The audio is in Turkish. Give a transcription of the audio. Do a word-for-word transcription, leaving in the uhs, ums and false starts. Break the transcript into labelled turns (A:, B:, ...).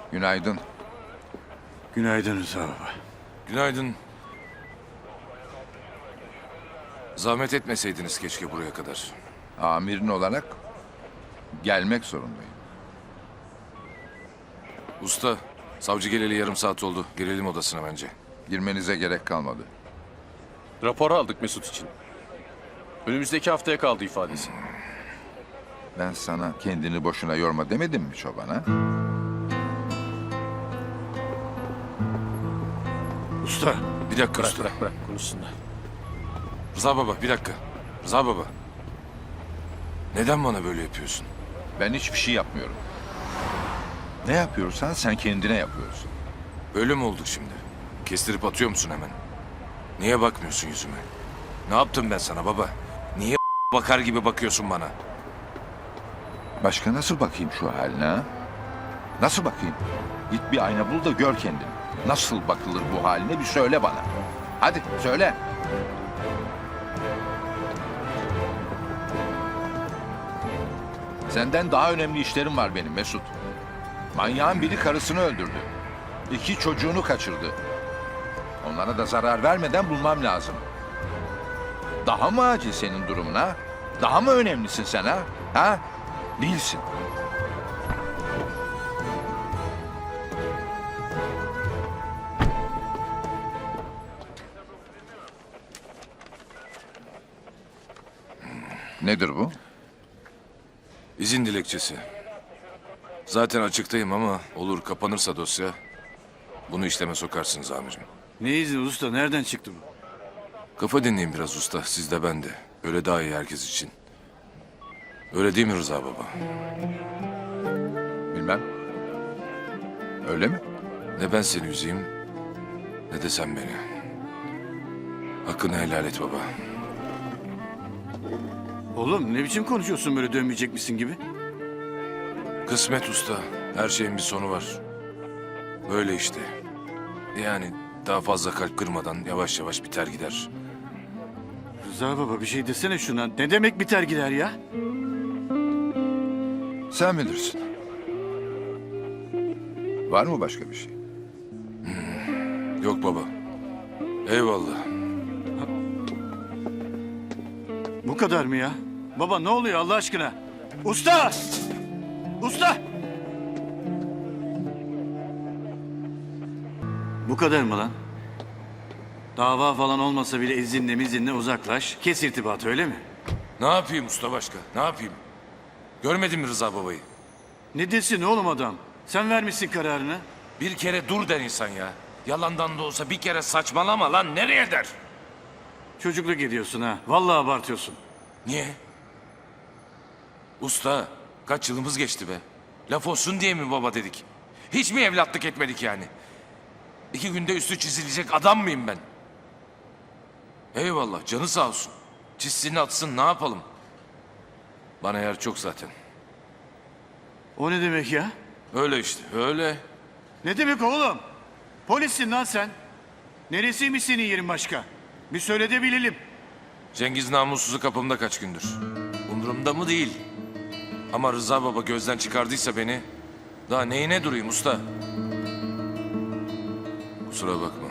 A: Günaydın.
B: Günaydın Rıza baba.
C: Günaydın. Zahmet etmeseydiniz keşke buraya kadar.
A: Amirin olarak gelmek zorundayım.
C: Usta, savcı geleli yarım saat oldu. Girelim odasına bence.
A: Girmenize gerek kalmadı.
D: Rapor aldık Mesut için. Önümüzdeki haftaya kaldı ifadesi.
A: Ben sana kendini boşuna yorma demedim mi çoban ha?
B: Usta.
C: Bir dakika
D: Bırak
C: usta.
D: bırak bırak konuşsunlar.
C: Rıza baba, bir dakika. Rıza baba. Neden bana böyle yapıyorsun?
A: Ben hiçbir şey yapmıyorum. Ne yapıyorsan sen kendine yapıyorsun.
C: Böyle mi olduk şimdi? Kestirip atıyor musun hemen? Niye bakmıyorsun yüzüme? Ne yaptım ben sana baba? Niye bakar gibi bakıyorsun bana?
A: Başka nasıl bakayım şu haline ha? Nasıl bakayım? Git bir ayna bul da gör kendini. Nasıl bakılır bu haline bir söyle bana. Hadi söyle. Senden daha önemli işlerim var benim Mesut. Manyağın biri karısını öldürdü. İki çocuğunu kaçırdı. Onlara da zarar vermeden bulmam lazım. Daha mı acil senin durumun ha? Daha mı önemlisin sen ha? Ha? Değilsin. Nedir bu?
C: İzin dilekçesi. Zaten açıktayım ama olur kapanırsa dosya bunu işleme sokarsınız amirim.
B: Ne izni usta? Nereden çıktı bu?
C: Kafa dinleyin biraz usta, siz de ben de. Öyle daha iyi herkes için. Öyle değil mi Rıza baba?
A: Bilmem. Öyle mi?
C: Ne ben seni üzeyim, ne de sen beni. Hakkını helal et baba.
B: Oğlum ne biçim konuşuyorsun böyle dönmeyecek misin gibi?
C: Kısmet usta, her şeyin bir sonu var. Böyle işte. Yani daha fazla kalp kırmadan yavaş yavaş biter gider.
B: Rıza baba bir şey desene şuna. Ne demek biter gider ya?
A: Sen bilirsin. Var mı başka bir şey?
C: Yok baba. Eyvallah.
B: Bu kadar mı ya? Baba ne oluyor Allah aşkına? Usta! Usta! Bu kadar mı lan? Dava falan olmasa bile izinle mizinle uzaklaş. Kes irtibatı öyle mi?
C: Ne yapayım usta başka? Ne yapayım? Görmedin mi Rıza babayı?
B: Ne desin oğlum adam? Sen vermişsin kararını.
C: Bir kere dur der insan ya. Yalandan da olsa bir kere saçmalama lan. Nereye der?
B: Çocukluk ediyorsun ha. Vallahi abartıyorsun.
C: Niye? Usta kaç yılımız geçti be. Laf olsun diye mi baba dedik? Hiç mi evlatlık etmedik yani? İki günde üstü çizilecek adam mıyım ben? Eyvallah canı sağ olsun. Çizsin atsın ne yapalım? Bana yer çok zaten.
B: O ne demek ya?
C: Öyle işte öyle.
B: Ne demek oğlum? Polissin lan sen. Neresiymiş senin yerin başka? Bir söyle de bilelim.
C: Cengiz namussuzu kapımda kaç gündür. Umurumda mı değil. Ama Rıza baba gözden çıkardıysa beni... Daha neyine durayım usta? Kusura bakma.